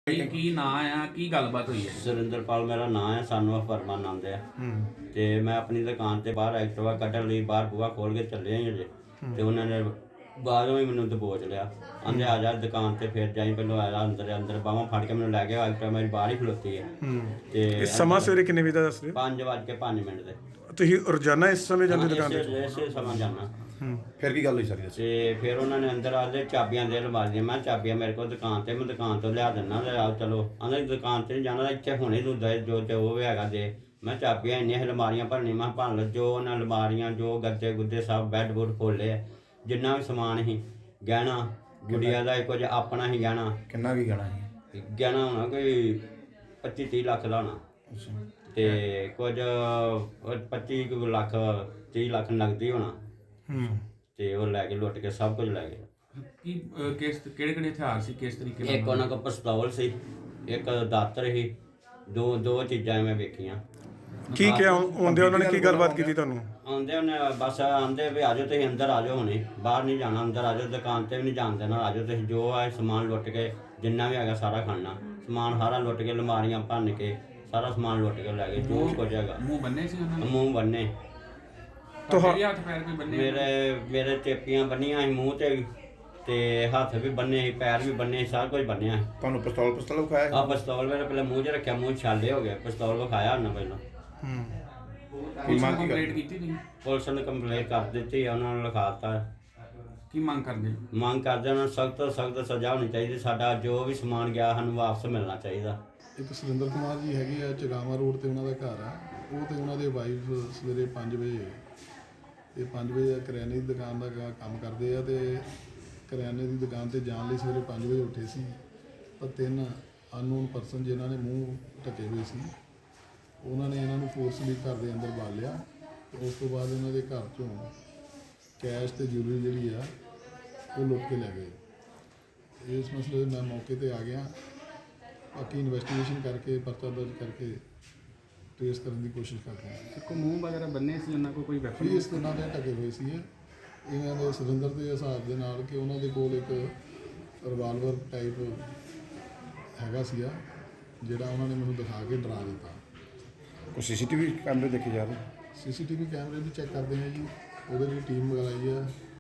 ਕੀ ਨਾਂ ਆ ਕੀ ਗੱਲਬਾਤ ਹੋਈ ਹੈ? ਸੁਰਿੰਦਰਪਾਲ ਮੇਰਾ ਨਾਂ ਹੈ, ਸਾਨੂੰ ਪਰਮਾਨੰਦ ਹੈ। ਤੇ ਮੈਂ ਆਪਣੀ ਦੁਕਾਨ ਤੇ ਬਾਹਰ ਐਕਟਿਵਾ ਕੱਢਣ ਲਈ ਬਾਹਰ ਬੂਹਾ ਖੋਲ ਕੇ ਚੱਲੇ ਹਾਂ ਜੇ, ਤੇ ਉਹਨਾਂ ਨੇ ਬਾਹਰੋਂ ਹੀ ਮੈਨੂੰ ਦਬੋਚ ਲਿਆ। ਆਂਦੇ ਆ ਜਾ ਦੁਕਾਨ ਤੇ, ਫਿਰ ਜਾਈ ਪਹਿਲਾਂ ਆਇਆ ਅੰਦਰ ਬਾਹਾਂ ਫੜ ਕੇ ਮੈਨੂੰ ਲੈ ਗਿਆ। ਐਕਟਿਵਾ ਮੇਰੀ ਬਾਹਰ ਹੀ ਖਲੋਤੀ ਹੈ। ਤੇ ਸਮਾਂ ਸਵੇਰੇ ਕਿੰਨੇ ਵਜੇ ਦਾ ਦੱਸ ਰਹੇ 5:05 ਦੇ ਤੁਸੀਂ ਰੋਜ਼ਾਨਾ ਇਸ ਸਮੇਂ ਜਾਂਦੇ ਦੁਕਾਨ ਤੇ? ਇਸੇ ਸਮਾਂ ਜਾਣਾ। ਫਿਰ ਕੀ ਗੱਲ ਹੋਈ ਸਾਰੀ? ਤੇ ਫਿਰ ਉਹਨਾਂ ਨੇ ਅੰਦਰ ਆਦੇ ਚਾਬੀਆਂ ਦੇ ਲਵਾਲੀਆਂ। ਮੈਂ ਚਾਬੀਆਂ ਮੇਰੇ ਕੋਲ ਦੁਕਾਨ ਤੇ, ਮੈਂ ਦੁਕਾਨ ਤੋਂ ਲਿਆ ਦਿੰਦਾ। ਆਓ ਚਲੋ, ਆਂਦੇ ਦੁਕਾਨ ਤੇ ਨਹੀਂ ਜਾਣਾ, ਇੱਥੇ ਹੁਣੇ ਤੂੰ ਜੋ ਉਹ ਵੀ ਹੈਗਾ ਦੇ। ਮੈਂ ਚਾਬੀਆਂ ਇੰਨੀਆਂ ਅਲਮਾਰੀਆਂ ਭਰਨੀ, ਮੈਂ ਭਰ ਲਓ ਜੋ ਉਹਨਾਂ ਅਲਮਾਰੀਆਂ, ਜੋ ਗੱਦੇ ਗੁੱਦੇ ਸਭ ਬੈੱਡ ਬੁੱਡ ਖੋਲੇ, ਜਿੰਨਾ ਵੀ ਸਮਾਨ ਸੀ, ਗਹਿਣਾ ਗੁੜੀਆ ਦਾ ਕੁਝ ਆਪਣਾ ਹੀ ਗਹਿਣਾ। ਕਿੰਨਾ ਕੀ ਗਹਿਣਾ ਸੀ? ਗਹਿਣਾ ਹੋਣਾ ਕੋਈ 25-30 ਲੱਖ ਦਾ ਹੋਣਾ, ਤੇ ਕੁਝ 25 ਲੱਖ 30 ਲੱਖ ਨਗਦੀ ਹੋਣਾ। ਤੇ ਉਹ ਲੈ ਕੇ ਲੁੱਟ ਕੇ ਸਭ ਕੁਝ ਲੈ ਗਏ। ਕੀ ਕਿਹੜੇ ਹਥਿਆਰ ਸੀ, ਕਿਸ ਤਰੀਕੇ ਇੱਕ ਉਹਨਾਂ ਕੋਲ ਪਿਸਤੌਲ ਸੀ, ਇੱਕ ਦਾਤਰ ਸੀ। ਦੋ ਚੀਜ਼ਾਂ ਮੈਂ ਵੇਖੀਆਂ। ਕੀ ਕਿਹਾ ਆਉਂਦੇ ਉਹਨਾਂ ਨੇ? ਕੀ ਗੱਲਬਾਤ ਕੀਤੀ ਤੁਹਾਨੂੰ? ਆਉਂਦੇ ਉਹਨੇ ਬਸ ਆਂਦੇ ਵੀ ਆਜੋ ਤੁਸੀਂ ਅੰਦਰ ਆਜੋ, ਹੁਣੇ ਬਾਹਰ ਨਹੀਂ ਜਾਣਾ, ਅੰਦਰ ਆਜੋ, ਦੁਕਾਨ ਤੇ ਵੀ ਨਹੀਂ ਜਾਣ ਦੇਣਾ, ਆਜੋ ਤੁਸੀਂ। ਜੋ ਆ ਸਮਾਨ ਲੁੱਟ ਕੇ ਜਿੰਨਾ ਵੀ ਹੈਗਾ ਸਾਰਾ ਖਾਣਾ ਸਮਾਨ ਸਾਰਾ ਲੁੱਟ ਕੇ, ਅਲਮਾਰੀਆਂ ਭੰਨ ਕੇ ਸਾਰਾ ਸਮਾਨ ਲੁੱਟ ਕੇ ਲੈ ਗਏ, ਜੋ ਕੁਝ ਹੈਗਾ। ਮੂੰਹ ਬੰਨੇ ਸੀ ਉਹਨਾਂ ਨੇ? ਮੂੰਹ ਬੰਨੇ। ਤੁਹਾਡੇ ਹੱਥ ਪੈਰ ਵੀ ਬੰਨੇ? ਮੇਰੇ ਚੇਪੀਆਂ ਬੰਨੀਆਂ ਸੀ ਮੂੰਹ ਤੇ ਹੱਥ ਵੀ ਬੰਨੇ ਸੀ, ਪੈਰ ਵੀ ਬੰਨੇ ਸੀ, ਸਾਰਾ ਕੁਝ ਬੰਨਿਆ ਸੀ। ਤੁਹਾਨੂੰ ਪਿਸਤੌਲ ਵਿਖਾਇਆ? ਆ ਪਿਸਤੌਲ ਮੇਰੇ ਪਹਿਲਾਂ ਮੂੰਹ 'ਚ ਰੱਖਿਆ, ਮੂੰਹ ਛਾਲੇ ਹੋ ਗਏ। ਪਿਸਤੌਲ ਵਿਖਾਇਆ ਉਹਨਾਂ ਪਹਿਲਾਂ। ਕੀ ਮੰਗ ਕੀਤੀ ਤੁਸੀਂ? ਪੁਲਿਸ ਨੇ ਕੰਪਲੇਂਟ ਕਰ ਦਿੱਤੀ, ਉਹਨਾਂ ਨੂੰ ਲਿਖਾਤਾ। ਕੀ ਮੰਗ ਕਰਦੇ? ਮੰਗ ਕਰਦੇ ਉਹਨਾਂ ਨੂੰ ਸਖਤ ਤੋਂ ਸਖਤ ਸਜ਼ਾ ਹੋਣੀ ਚਾਹੀਦੀ। ਸਾਡਾ ਜੋ ਵੀ ਸਮਾਨ ਗਿਆ ਸਾਨੂੰ ਵਾਪਸ ਮਿਲਣਾ ਚਾਹੀਦਾ। ਇੱਕ ਸੁਰਿੰਦਰ ਕੁਮਾਰ ਜੀ ਹੈਗੇ ਆ, ਚਗਾਵਾ ਰੋਡ ਤੇ ਉਹਨਾਂ ਦਾ ਘਰ ਆ। ਉਹ ਤੇ ਉਹਨਾਂ ਦੇ ਵਾਈਫ ਸਵੇਰੇ 5 ਵਜੇ ਤੇ 5 ਵਜੇ ਕਰਿਆਨੇ ਦੀ ਦੁਕਾਨ ਦਾ ਕੰਮ ਕਰਦੇ ਆ, ਤੇ ਕਰਿਆਨੇ ਦੀ ਦੁਕਾਨ ਤੇ ਜਾਣ ਲਈ ਸਵੇਰੇ 5 ਵਜੇ ਉੱਠੇ ਸੀ। ਪਰ 3 ਅਨਨੋਨ ਪਰਸਨ ਜਿਨ੍ਹਾਂ ਨੇ ਮੂੰਹ ਢੱਕੇ ਹੋਏ ਸੀ, ਉਹਨਾਂ ਨੇ ਇਹਨਾਂ ਨੂੰ ਫੋਰਸਲੀ ਘਰ ਦੇ ਅੰਦਰ ਬਾਲ ਲਿਆ। ਤੇ ਉਸ ਤੋਂ ਬਾਅਦ ਇਹਨਾਂ ਦੇ ਘਰ ਚੋਂ ਕੈਸ਼ ਤੇ ਜੁਐਲਰੀ ਜਿਹੜੀ ਆ ਉਹ ਲੁੱਟ ਕੇ ਲੈ ਗਏ। ਇਸ ਮਸਲੇ 'ਤੇ ਮੈਂ ਮੌਕੇ ਤੇ ਆ ਗਿਆ। ਬਾਕੀ ਇਨਵੈਸਟੀਗੇਸ਼ਨ ਕਰਕੇ ਪਰਚਾ ਦਰਜ ਕਰਕੇ ਟ੍ਰੇਸ ਕਰਨ ਦੀ ਕੋਸ਼ਿਸ਼ ਕਰਦੇ ਹਾਂ। ਕੋਈ ਮੂੰਹ ਵਗੈਰਾ ਬੰਨੇ ਸੀ ਉਹਨਾਂ ਕੋਲ? ਕੋਈ ਵੈਪਨ? ਫੇਸ ਦੇ ਨਾਲ ਢਕੇ ਹੋਏ ਸੀ ਇਹਨਾਂ ਦੇ ਸੁਰਿੰਦਰ ਦੇ ਹਿਸਾਬ ਦੇ ਨਾਲ ਕਿ ਉਹਨਾਂ ਦੇ ਕੋਲ ਇੱਕ ਰਿਵਾਲਵਰ ਟਾਈਪ ਹੈਗਾ ਸੀਗਾ, ਜਿਹੜਾ ਉਹਨਾਂ ਨੇ ਮੈਨੂੰ ਦਿਖਾ ਕੇ ਡਰਾ ਦਿੱਤਾ। ਕੋਈ ਸੀਸੀਟੀਵੀ ਕੈਮਰੇ ਦੇਖੇ ਜਾ ਰਹੇ? ਸੀਸੀਟੀਵੀ ਕੈਮਰੇ ਵੀ ਚੈੱਕ ਕਰਦੇ ਹਾਂ ਜੀ, ਉਹਦੇ ਲਈ ਟੀਮ ਮੰਗਾਈ ਆ।